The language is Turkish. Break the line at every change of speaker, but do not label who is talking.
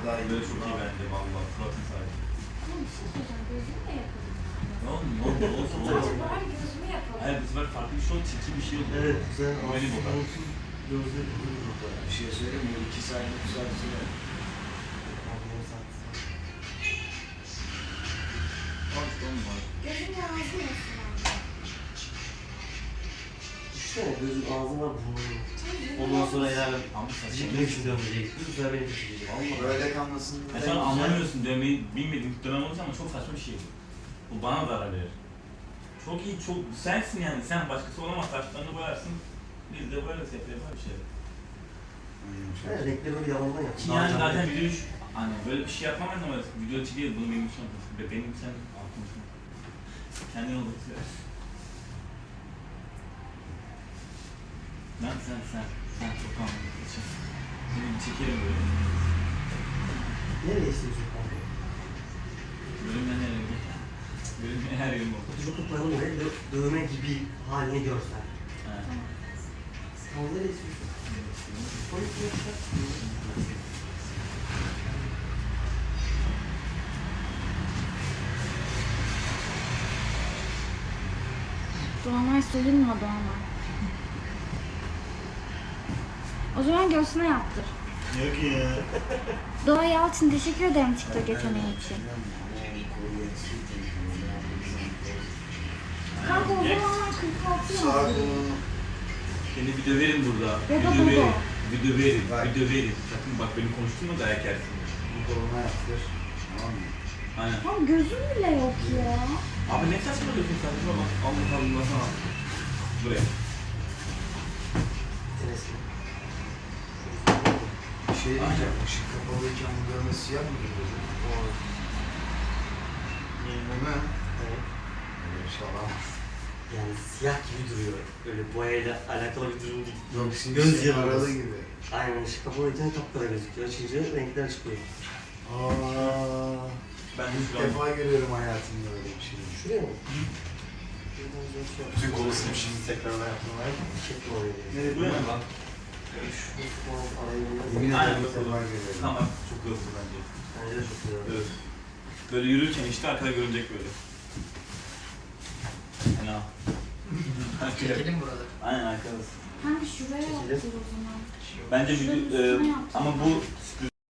daha iyi.
Böyle çok iyi bence vallahi. Suratın sadece.
Ama bir şey söyleyeceğim. Gözümü de yapalım.
Ne oldu? Ne oldu? Olsun
Sadece
olsun.
bari gözümü yapalım.
Hayır bu sefer farklı bir şey oldu. Çirkin bir şey oldu.
Evet, güzel.
Benim o kadar.
Gözleri kuruyor burada.
Bir şey söyleyeyim mi? 2 saat, 3 saat süre.
Al işte onun var.
Gözüm lazım olsun abi.
İşte gözün ağzın var, burnun var.
Tamam,
Ondan sonra eğer
Ama saçma.
çekmek istiyorum diyecek. Bu sefer beni çekecek.
Vallahi.
Böyle kalmasın.
Ya sen anlamıyorsun dövmeyi bilmediğin dönem olunca ama çok saçma bir şey bu. Bu bana zarar verir. Çok iyi, çok sensin yani. Sen başkası olamaz. Saçlarını boyarsın. Biz de boyarız yapar bir şey.
Evet, renkleri böyle yalandan yap.
Ki yani zaten video hani böyle bir şey yapmam ama video içi değil. Bunu benim için yapıyorsun. Benim sen aklımsın. Kendin olursun. Lan sen çok anlamlısın. Seni bir çekerim böyle.
Nereye istiyorsun kanka?
Bölümden nereye gidiyor? Bölümden her yerim oldu.
Kutucu koyalım ve dövme gibi halini görsen.
Ha.
Tamam, nereye istiyorsun? Koyup görsen.
Doğanay soyunmadı ama. O zaman göğsüne yaptır.
Yok ya.
Doğa Yalçın teşekkür ederim TikTok yeteneği için. Kanka o zamanlar 46
Sağ
yazdı.
kolunu.
Seni bir döverim burada.
Ya da
Bir döverim.
baba.
Bir döverim.
Bak.
Bir döverim. Sakın bak beni konuşturma dayak yersin.
Bu koluna yaptır. Tamam mı?
Aynen.
Tam gözüm bile yok ya.
Abi ne saçmalıyorsun sen? Şuna bak. Allah Allah sana. Buraya.
Tenesini.
Bir şey diyeceğim. Işık kapalıyken bu dövme siyah mı duruyor? Değil mi?
Evet.
Öyle bir şey olamaz.
Yani siyah gibi duruyor. Böyle boyayla alakalı bir durum değil.
Yok
Göz
şimdi
yanılması.
aralı gibi.
Aynen, ışık kapalıyken kapkara gözüküyor. Açınca renkler çıkıyor.
Aa,
Ben de
ilk
şu an...
defa görüyorum hayatımda öyle bir şey.
Şuraya mı?
Bütün kolu silip şimdi tekrardan yapmaya.
Çekme oraya.
Nereye? Buraya mı lan?
Şu form arayı
Yemin
Aynen,
ederim ilk
bakalım.
defa görüyorum.
Tamam. Çok hızlı bence.
Bence de çok güzel.
Evet. Böyle yürürken işte arkada görünecek böyle. Fena.
Çekelim burada.
Aynen arkadasın.
Kanka şuraya
Çekelim.
yaptır o zaman.
Bence
Şuranın
video,
üstüne yaptır.
ama bu